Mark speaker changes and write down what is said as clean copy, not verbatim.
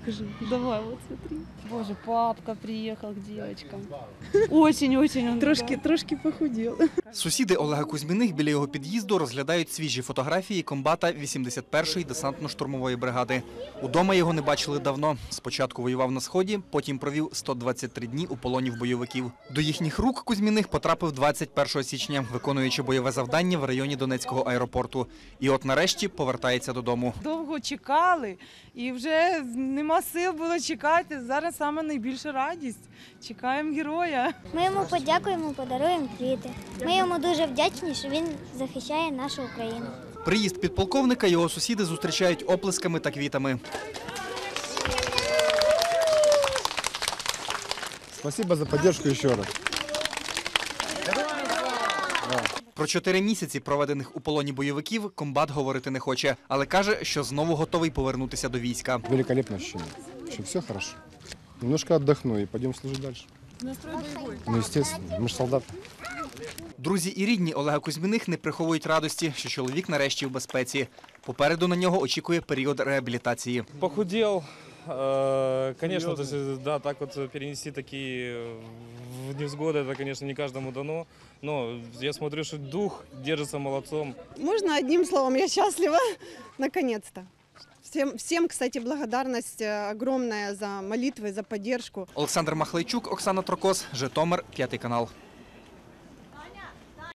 Speaker 1: покажи. Давай, вот смотри. Боже, папка приехал к девочкам. Очень-очень он трошки похудел.
Speaker 2: Сусіди Олега Кузьміних біля його під'їзду розглядають свіжі фотографії комбата 81-ї десантно-штурмової бригади. Удома його не бачили давно. Спочатку воював на Сході, потім провів 123 дні у полоні в бойовиків. До їхніх рук Кузьміних потрапив 21 січня, виконуючи бойове завдання в районі Донецького аеропорту. І от нарешті повертається додому.
Speaker 3: Довго чекали і вже нема сил було чекати. Зараз саме найбільша радість. Чекаємо героя.
Speaker 4: Ми йому подякуємо, подаруємо квіти. Ми йому дуже вдячні, що він захищає нашу Україну.
Speaker 2: Приїзд підполковника його сусіди зустрічають оплесками та квітами.
Speaker 5: Спасибо за підтримку ще раз.
Speaker 2: Про 4 місяці, проведених у полоні бойовиків, комбат говорити не хоче, але каже, що знову готовий повернутися до війська.
Speaker 5: Великолепне відчуття, що все добре. Немножко віддохну і підемо служити далі. Настрой бойовий? Ну, звісно, ми ж солдати.
Speaker 2: Друзі і рідні Олега Кузьміних не приховують радості, що чоловік нарешті в безпеці. Попереду на нього очікує період реабілітації.
Speaker 6: Похудел, конечно, то есть, да, так вот перенести такие невзгоды, это, конечно, не каждому дано, но я смотрю, что дух держится молодцом.
Speaker 7: Можно одним словом, я счастлива, наконец-то. Всем, кстати, благодарность огромная за молитвы, за поддержку.
Speaker 2: Олександр Махлейчук, Оксана Трокос, Житомир, 5 канал.